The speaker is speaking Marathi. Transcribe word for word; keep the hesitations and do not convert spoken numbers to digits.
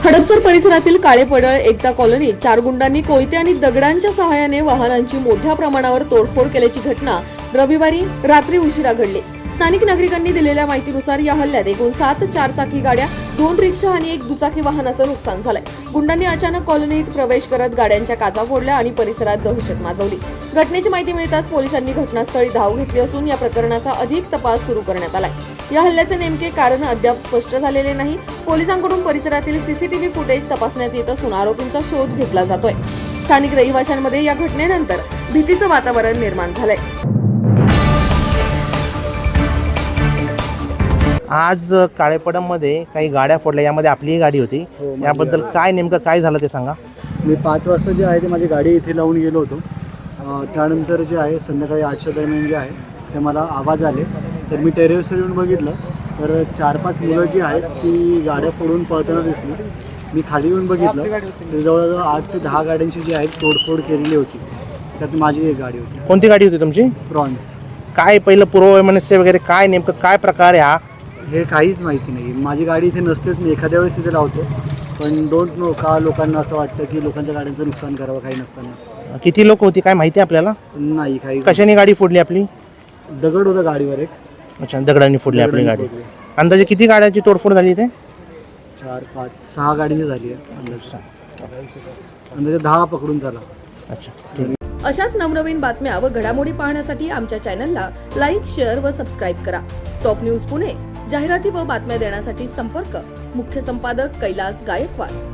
हडपसर परिसरातील काळेपडळ एकता कॉलनीत चार गुंडांनी कोयते आणि दगडांच्या सहाय्याने वाहनांची मोठ्या प्रमाणावर तोडफोड केल्याची घटना रविवारी रात्री उशिरा घडली। स्थानिक नागरिकांनी दिलेल्या माहितीनुसार या हल्ल्यात एकूण सात चारचाकी गाड्या, दोन रिक्षा आणि एक दुचाकी वाहनाचं नुकसान झालंय। गुंडांनी अचानक कॉलनीत प्रवेश करत गाड्यांच्या काचा फोडल्या आणि परिसरात दहशत माजवली। घटनेची माहिती मिळताच पोलिसांनी घटनास्थळी धाव घेतली असून या प्रकरणाचा अधिक तपास सुरू करण्यात आलाय। या हल्ल्याचे नेमके कारण अद्याप स्पष्ट झालेले नाही। पोलिसांकडून परिसरातील सीसीटीव्ही फुटेज तपासण्यात येत असून आरोपींचा शोध घेतला जातोय। स्थानिक रहिवाशांमध्ये या घटनेनंतर भीतीचं वातावरण निर्माण झालंय। आज काळेपडममध्ये काही गाड्या फोडल्या, यामध्ये आपलीही गाडी होती। हो, याबद्दल काय नेमकं काय झालं ते सांगा। मी पाच वाजता जे आहे ते माझी गाडी इथे लावून गेलो होतो। त्यानंतर जे आहे संध्याकाळी आठच्या दरम्यान जे आहे ते मला आवाज आले, तर मी टेरेसवर येऊन बघितलं तर चार पाच मुलं जी आहेत ती गाड्या फोडून पळताना दिसली। मी खाली येऊन बघितलं तर जवळजवळ आठ ते दहा गाड्यांची जी आहे तोडफोड केलेली होती। त्यात माझी एक गाडी होती। कोणती गाडी होती तुमची? फ्रॉन्स। काय पहिलं पूर्ववैमनस्य वगैरे काय नेमकं काय प्रकार आहे हा? हे काहीच माहिती नाही। माझी गाडी इथे नसतेच, मी एखाद्या वेळेस इथे लावतो, पण डोंट नो का लोकांना असं वाटतं की लोकांच्या गाड्यांचं नुकसान करावं काही नसताना। किती लोक होती काय माहिती आपल्याला? नाही, काही कशाने गाडी फोडली आपली? दगड होता गाडीवर एक। अच्छा, दगडांनी फोडली आपली गाडी। फोडली। अंदाजे किती गाड्यांची तोडफोड झाली इथे? चार पाच सहा गाडीची झाली आहे अंदाजे। अंदाजे दहा पकडून झाला। अच्छा, ठीक। अशाच नवनवीन बातम्या व घडामोडी पाहण्यासाठी आमच्या चॅनलला लाईक, शेअर व सबस्क्राईब करा। टॉप न्यूज पुणे जाहिराती व बातम्या देण्यासाठी संपर्क मुख्य संपादक कैलास गायकवाड।